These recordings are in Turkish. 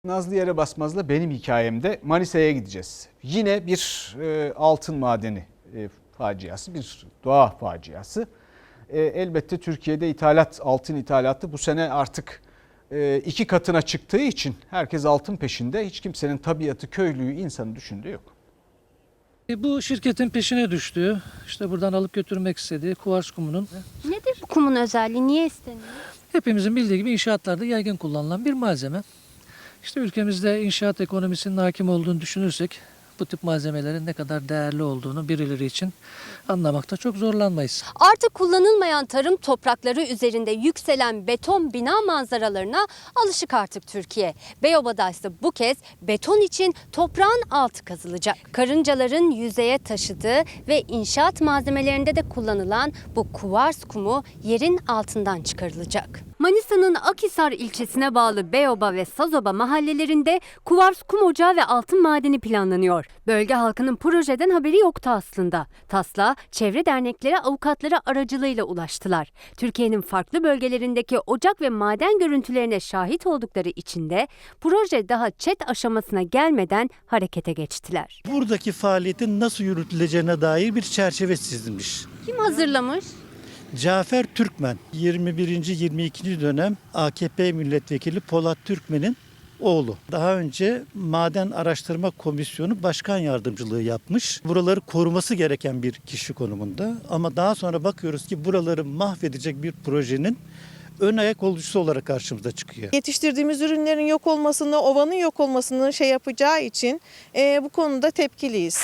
Nazlı Yere Basmaz'la benim hikayemde Manisa'ya gideceğiz. Yine bir altın madeni faciası, bir doğa faciası. Elbette Türkiye'de altın ithalatı bu sene artık 2 katına çıktığı için herkes altın peşinde. Hiç kimsenin tabiatı, köylüyü, insanı düşündüğü yok. Bu şirketin peşine düştüğü, işte buradan alıp götürmek istediği kuvars kumunun Nedir bu kumun özelliği? Niye isteniyor? hepimizin bildiği gibi inşaatlarda yaygın kullanılan bir malzeme. İşte ülkemizde inşaat ekonomisinin hakim olduğunu düşünürsek bu tip malzemelerin ne kadar değerli olduğunu birileri için anlamakta çok zorlanmayız. Artık kullanılmayan tarım toprakları üzerinde yükselen beton bina manzaralarına alışık artık Türkiye. Beyoba'da ise bu kez beton için toprağın altı kazılacak. Karıncaların yüzeye taşıdığı ve inşaat malzemelerinde de kullanılan bu kuvars kumu yerin altından çıkarılacak. Manisa'nın Akhisar ilçesine bağlı Beyoba ve Sazoba mahallelerinde kuvars kum ocağı ve altın madeni planlanıyor. Bölge halkının projeden haberi yoktu aslında. Taslağa çevre dernekleri avukatları aracılığıyla ulaştılar. Türkiye'nin farklı bölgelerindeki ocak ve maden görüntülerine şahit oldukları için de proje daha ÇED aşamasına gelmeden harekete geçtiler. Buradaki faaliyetin nasıl yürütüleceğine dair bir çerçeve çizilmiş. Kim hazırlamış? Cafer Türkmen, 21. 22. dönem AKP milletvekili Polat Türkmen'in oğlu. Daha önce Maden Araştırma Komisyonu Başkan Yardımcılığı yapmış. Buraları koruması gereken bir kişi konumunda. Ama daha sonra bakıyoruz ki buraları mahvedecek bir projenin ön ayak olucusu olarak karşımıza çıkıyor. Yetiştirdiğimiz ürünlerin yok olmasını, ovanın yok olmasını yapacağı için bu konuda tepkiliyiz.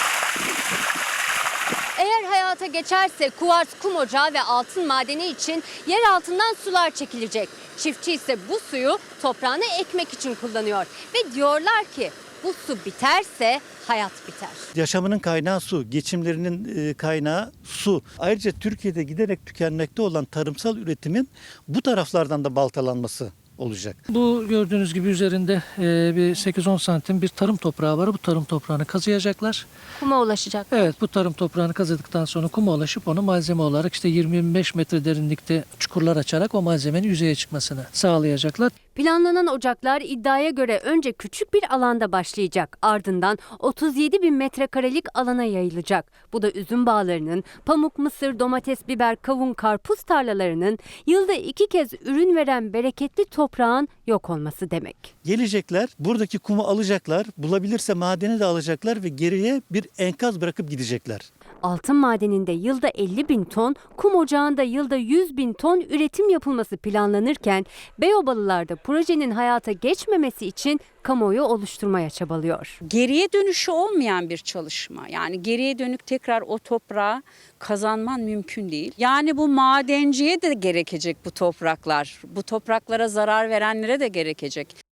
Eğer hayata geçerse kuvars kum ocağı ve altın madeni için yer altından sular çekilecek. Çiftçi ise bu suyu toprağına ekmek için kullanıyor. Ve diyorlar ki bu su biterse hayat biter. Yaşamının kaynağı su, geçimlerinin kaynağı su. Ayrıca Türkiye'de giderek tükenmekte olan tarımsal üretimin bu taraflardan da baltalanması olacak. Bu gördüğünüz gibi üzerinde bir 8-10 santim bir tarım toprağı var. Bu tarım toprağını kazıyacaklar. Kuma ulaşacak. Evet, bu tarım toprağını kazıdıktan sonra kuma ulaşıp onu malzeme olarak işte 20-25 metre derinlikte çukurlar açarak o malzemenin yüzeye çıkmasını sağlayacaklar. Planlanan ocaklar iddiaya göre önce küçük bir alanda başlayacak. Ardından 37 bin metrekarelik alana yayılacak. Bu da üzüm bağlarının, pamuk, mısır, domates, biber, kavun, karpuz tarlalarının yılda 2 kez ürün veren bereketli toprağın yok olması demek. Gelecekler, buradaki kumu alacaklar, bulabilirse madeni de alacaklar ve geriye bir enkaz bırakıp gidecekler. Altın madeninde yılda 50 bin ton, kum ocağında yılda 100 bin ton üretim yapılması planlanırken Beyobalılar da projenin hayata geçmemesi için kamuoyu oluşturmaya çabalıyor. Geriye dönüşü olmayan bir çalışma. Yani geriye dönük tekrar o toprağı kazanman mümkün değil. Yani bu madenciye de gerekecek bu topraklar. Bu topraklara zarar verenlere de gerekecek.